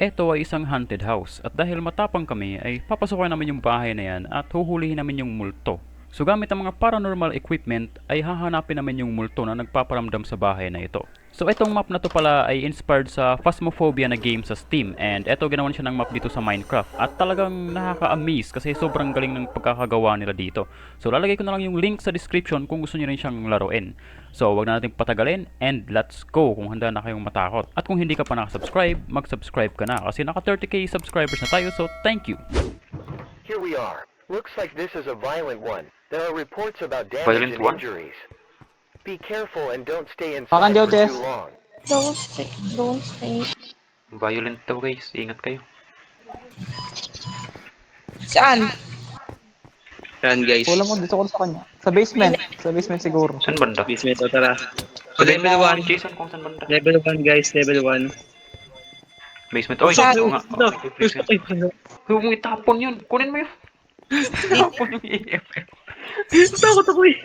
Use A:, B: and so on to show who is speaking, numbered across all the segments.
A: Ito ay isang haunted house at dahil matapang kami ay papasukin namin yung bahay na yan at huhulihin namin yung multo. So gamit ang mga paranormal equipment ay hahanapin namin yung multo na nagpaparamdam sa bahay na ito. So itong map na to pala ay inspired sa Phasmophobia na game sa Steam and eto ginawan siya ng map dito sa Minecraft at talagang nakaka-amaze kasi sobrang galing ng pagkakagawa nila dito. So lalagay ko na lang yung link sa description kung gusto niyo rin siyang laruin. So wag na natin patagalin and let's go kung handa na kayong matakot. At kung hindi ka pa nakasubscribe, mag-subscribe ka na kasi naka 30k subscribers na tayo so thank you!
B: Here we are. Looks like this is a violent one. There are reports about damage
A: Violent
B: and
A: one?
B: injuries. Be careful and don't stay
C: Makan
B: inside
C: daw,
B: for
C: Jess.
B: too long.
D: Don't stay.
A: Violent daw guys, ingat kayo.
D: Saan?
E: Yan guys.
C: Kulang mo, gusto ko sa kanya. Sa basement. Sa basement siguro.
A: Saan banda?
E: Basement o tara.
A: Sabihin
E: Level
A: mo
E: 1.
A: Jason kung saan banda.
E: Level 1 guys, level 1.
A: Basement. Oy,
D: Saan?
A: oo nga. Okay, basement. Huwag mong itapon yun. Kunin mo yun. Itapon yung EMF.
E: Takot ako eh.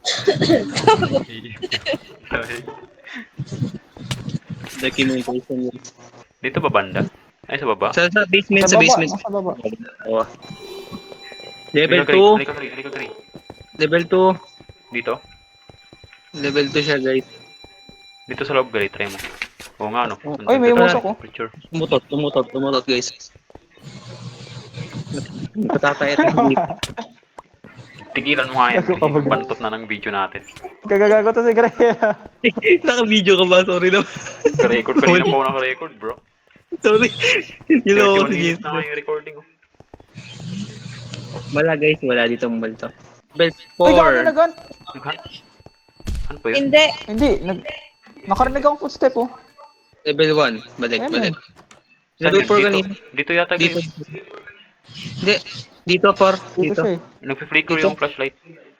E: Documentation yun.
A: Dito ba banda? Ay, sa baba?
E: Sa basement,
C: Sa
E: sa
C: baba,
E: basement.
C: nasa baba.
E: Oo. Level
A: Halika,
E: 2.
A: halika, halika, halika.
E: Level 2.
A: Dito?
E: Level 2 siya guys.
A: Dito sa loob, gali. Try mo. Oo nga, no?
C: Oy, may musok ko.
A: Picture.
E: Tumutot guys. Patatay at hindi.
A: Tigilan mo nga yan. Bantot na ng video natin.
C: Gagagago to si Gray.
E: Naka-video ka ba? Sorry na.
A: Ka-record. Kanina pa ako naka-record, bro.
E: Sorry. You know
A: 31
E: what it is.
A: minutes na nga yung recording. Oh.
E: Wala guys, wala dito multo. Level
C: Uy, gago na
E: 4.
C: gan.
A: Naghan? Ano pa yun?
D: Hindi.
C: Hindi, nakarinig akong footstep oh.
E: Level 1. Balik.
C: Ayun.
E: Level 4
A: Dito,
E: kanina.
A: dito yata
E: Dito.
A: guys.
E: Hindi. Dito 4.
C: Dito
E: Dito.
C: siya eh.
A: Nagpi-flicker
E: Dito.
A: yung flashlight.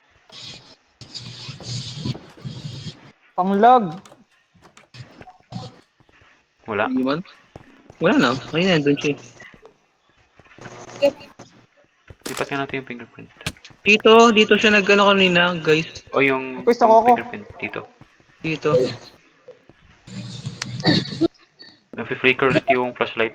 C: Pang-log.
A: Wala.
E: Hindi man. Wala na. Kanina nandun siya.
A: Lipat nga natin yung fingerprint.
E: Dito siya nag-ano kanina, guys.
A: O yung
C: Pwesta ko ako.
A: fingerprint dito.
E: Dito.
A: Nagpi-flicker ulit yung flashlight.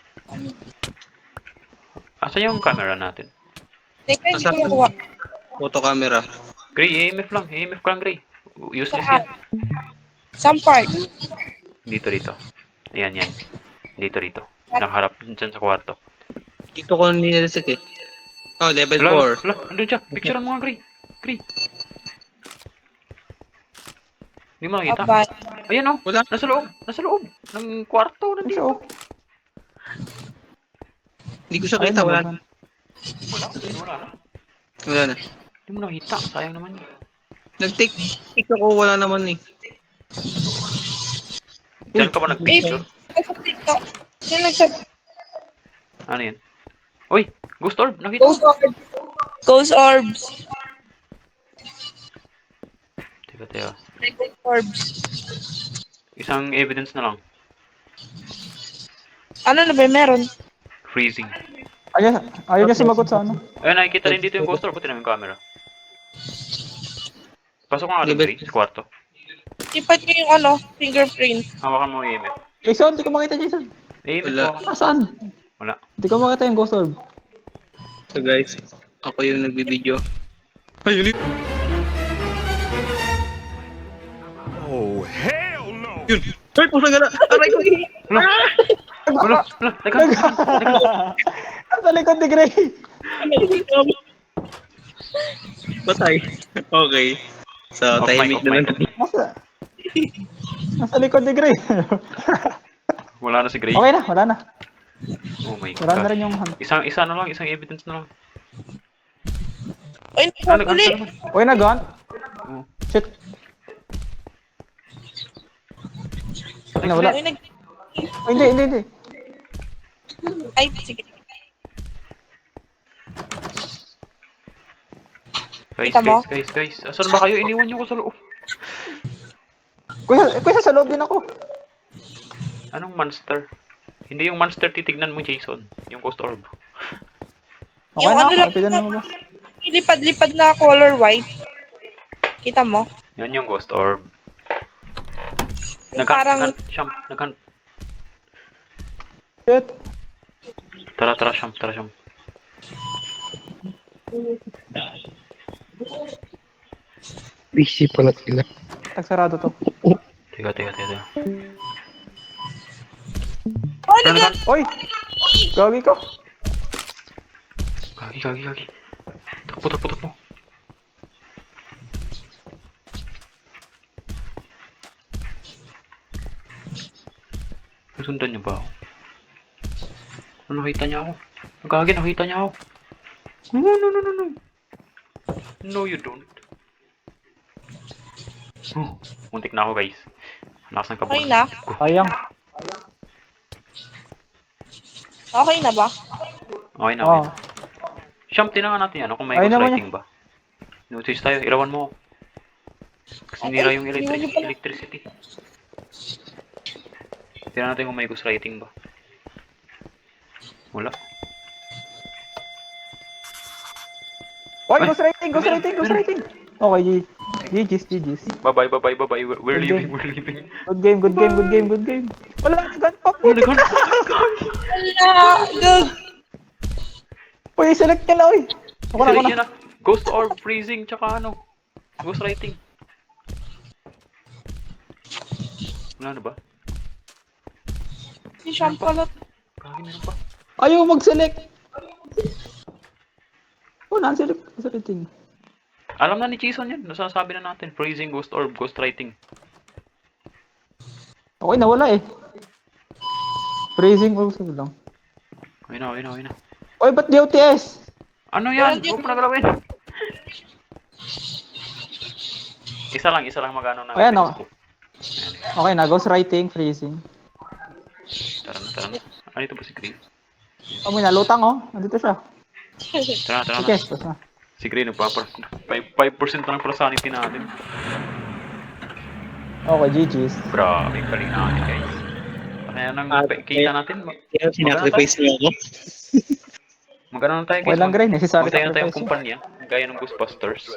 A: Asa yung camera natin?
D: Teka, hindi
E: Asa-
D: ko nakuha.
E: Photo camera.
A: Gray, EMF lang. EMF ka lang, Gray. Useless
D: Saan?
A: yan.
D: Saan part?
A: Dito. Ayan, yan. Dito. Nakaharap dyan sa kwarto.
E: Dito ko nilasit eh. Oh, level
A: Wala,
E: 4.
A: wala. Andun siya. Picturean mo nga, Gray. Gray. Hindi mo nakita.
D: Abay.
A: Ayan o.
E: Wala.
A: Nasa loob. Nasa loob. Ng kwarto.
C: Ano
A: Nandito.
C: siya oh.
E: Hindi ko siya
C: Ayun,
E: kita. Wala.
C: nababan.
A: Wala na.
E: Wala na.
A: Hindi mo nakita. Sayang naman yun.
E: Nag-take ako. Wala naman eh.
A: Diyan ka ba nag-picture?
D: Ay, sa TikTok. Sino nagsabi?
A: Ano yan? Uy! Ghost orb! Nakita
D: Ghost
A: ko!
D: orbs. Ghost orbs.
A: Teka.
D: Ghost orbs.
A: Isang evidence na lang.
D: Ano na ba meron?
A: Freezing.
C: Ayaw niya sumagot sa ano.
A: Ayun, nakikita rin dito yung ghost orb. Buti namin yung camera. Pasok ko nga doon, Gray, sa kwarto.
D: Ipat niyo yung ano, fingerprint.
A: Hawakan mo yung EMF.
C: Jason, hindi ko makita Jason.
A: EMF
E: Wala.
A: mo.
C: Nasaan?
A: Wala.
C: Hindi ko makita yung ghost orb.
E: So guys, ako yung nagbibideo. Ayun.
F: Oh, hell no!
E: Yun. Ay, pusa gala. Aray ko.
A: Wala.
C: Sa likod ni Gray.
E: Patay. Okay. So,
A: Off mic,
E: tahimik
A: off
E: naman.
A: mic.
C: Nasa likod ni Gray.
A: Wala na si Gray.
C: Okay na, wala na.
A: Oh my
C: Wala na
A: God.
C: rin yung hand.
A: Isa na lang. Isang evidence na lang.
D: Ay,
A: Ano
D: uli.
C: Uy, nag-on.
A: Oo.
C: Shit. Ay, nawala.
D: Ay,
C: Ay, hindi.
D: Ay, sige. Kita mo?
A: Guys. Asan ba kayo? Iniwan niyo ko sa loob.
C: Kuya, sa loob din ako.
A: Anong monster? Hindi yung monster titignan mo, Jason. Yung ghost orb.
C: Okay
D: Yung
C: na
D: ano
C: ako.
D: lang,
C: Ipigan mo ba?
D: lipad-lipad na color white. Kita mo?
A: Yan yung ghost orb.
D: Yung parang
A: Naghan.
C: Shit.
A: Tara, tara, Sham, tara, Sham.
E: Busy pala sila.
C: Tagsarado to.
A: Tiga, tiga, tiga, tiga.
D: Oh, nag-
C: Oy! Gagi ko.
A: Gagi, gagi, gagi. Takbo, takbo, takbo. Nasundan niyo ba ako? Ano, nakita niya ako? Gagi, nakita niya ako. No, no, no, no, no. No, you don't. Oh, muntik na ako, guys. Lakas ng kabog.
D: Okay na?
C: Sayang.
D: Okay na ba?
A: Okay na, okay
C: Oh.
A: na. Sham, tinangan natin yan. Kung may
C: Ayun
A: ghost
C: naman
A: lighting ba? Notice tayo, ilawan mo ako. Kasi nira yung electricity. Tingnan natin kung may ghost lighting ba. Wala.
C: Oy,
A: Ay,
C: ghost writing, ghost
A: meron,
C: writing, ghost
A: meron.
C: writing. Okay, GG's, GG's.
A: Bye-bye, bye-bye, bye-bye. We're
C: Good
A: leaving,
C: game.
A: we're leaving.
C: Good game, good game, good game, good game. Wala na gun pa.
A: Oh, nagano?
D: Wala! Gag!
C: Uy, select ka na, uy. Ako na, ako na.
A: Isa na. Ghost orb, freezing, tsaka ano. Ghost lighting. Wala na ba?
D: Si Sean pala.
A: Kagi, meron pa.
C: Ayaw mag-select. Oh, non-select. Ghost writing.
A: Alam na ni Jason yan. Nasasabi na natin. Freezing, ghost orb, ghost lighting.
C: Okay, nawala eh. Freezing also lang.
A: Okay na, okay na, okay na.
C: Oy, ba't di OTS?
A: Ano yan? Huwag mo na galawin. Isa lang magano ng
C: Ayan,
A: Facebook.
C: Okay na, ghost writing, freezing.
A: Tara na, tara na. Ano ito ba si Green?
C: Oh, may nalutang oh. Nandito siya.
A: Tara na, tara
C: Okay,
A: na.
C: tapos na.
A: Si Green, 5% na ng sanity natin.
C: Okay, GG's.
A: Grabe, galing natin guys. Kaya nang kita natin,
E: Kaya sinacrifice niyo ako.
A: mag-ano na tayo
C: Okay
A: guys.
C: lang, Gray. Necessary
A: Magtayo na tayong
C: sacrifice yun.
A: kumpanya, gaya ng Ghostbusters.